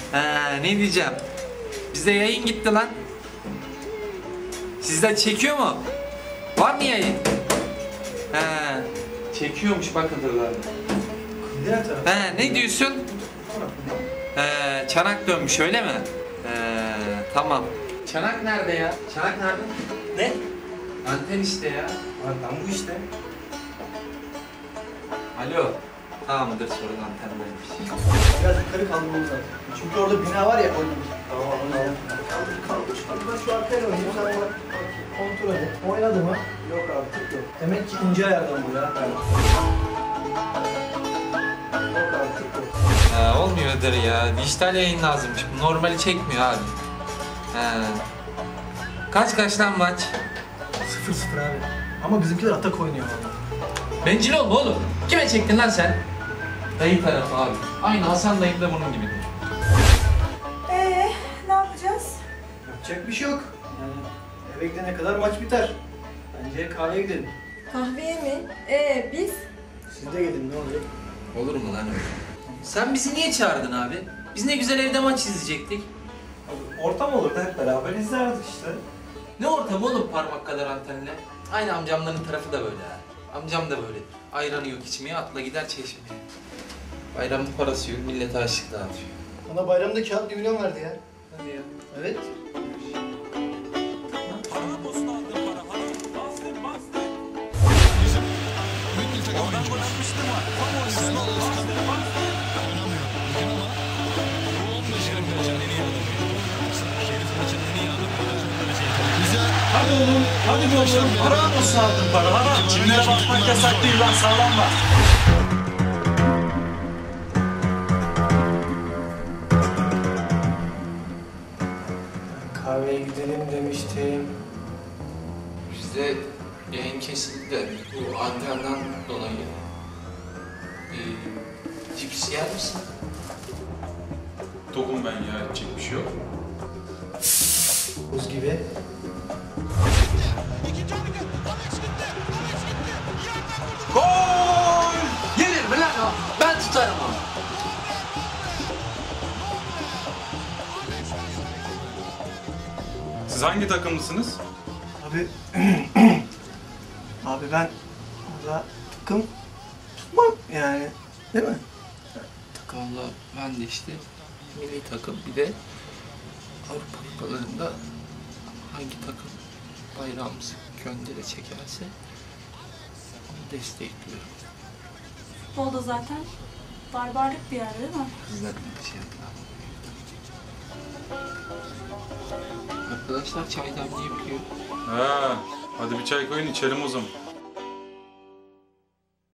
Ne diyeceğim? Bizde yayın gitti lan. Sizden çekiyor mu? Var mı yayın? Çekiyormuş bakın dur. Ne diyorsun? Çanak dönmüş öyle mi? Tamam. Çanak nerede ya? Çanak nerede? Ne? Anten işte ya. Lan bu işte. Alo. Tamamdır sorun antendeymiş. Biraz yukarı kaldırmamız lazım. Çünkü orada bina var ya. Tamam. Kaldır. Ben şu arkaya oynayayım. Sen bak kontrol et. Oynadı mı? Yok abi tık yok. Demek ki ince ayardan bu ya. Yok abi tık yok. Olmuyordur ya. Dijital yayın lazımmış. Normali çekmiyor abi. Kaç lan maç? 0-0 abi. Ama bizimkiler atak oynuyor valla. Bencil olma oğlum. Kime çektin lan sen? Dayı tarafı abi. Aynı Hasan dayım da bunun gibidir. Ne yapacağız? Yapacak bir şey yok. Yani eve gidene kadar maç biter. Bence kahveye gidelim. Kahveye mi? Biz? Siz de gidin ne olacak? Olur mu lan öyle? Sen bizi niye çağırdın abi? Biz ne güzel evde maç izleyecektik. Ortam olurdu hep beraber izlerdik işte. Ne ortam oğlum parmak kadar antenle? Aynı amcamların tarafı da böyle ha. Amcam da böyle. Ayranı yok içmeye, atla gider çeşmeye. Bayramın parası yok, millete açlık dağıtıyor. Bana bayramda kağıt 1 milyon verdi ya. Hadi ya. Evet. Hadi oğlum, hadi oğlum. Haram olsun aldın para, haram. Cimriye bakmak yasak değil lan, sallanma. Kahveye gidelim demiştim. Bizde yayın kesildi de bu antenden dolayı. Cips yer misin? Tokum ben ya, edecek bir şey yok. Buz gibi. Gol! Yenir mi lan o? Ben tutarım onu. Siz hangi takımlısınız? Abi... Abi ben burada takım tutmam yani. Değil mi? Valla ben de işte milli takım bir de Avrupa Kupalarında hangi takım bayrağımızı göndere çekerse onu destekliyorum. Futbolda zaten barbarlık bir yer değil mi? Bizden bir şey yapalım. Arkadaşlar çay demleyebiliyor. Ha, hadi bir çay koyun içelim o zaman.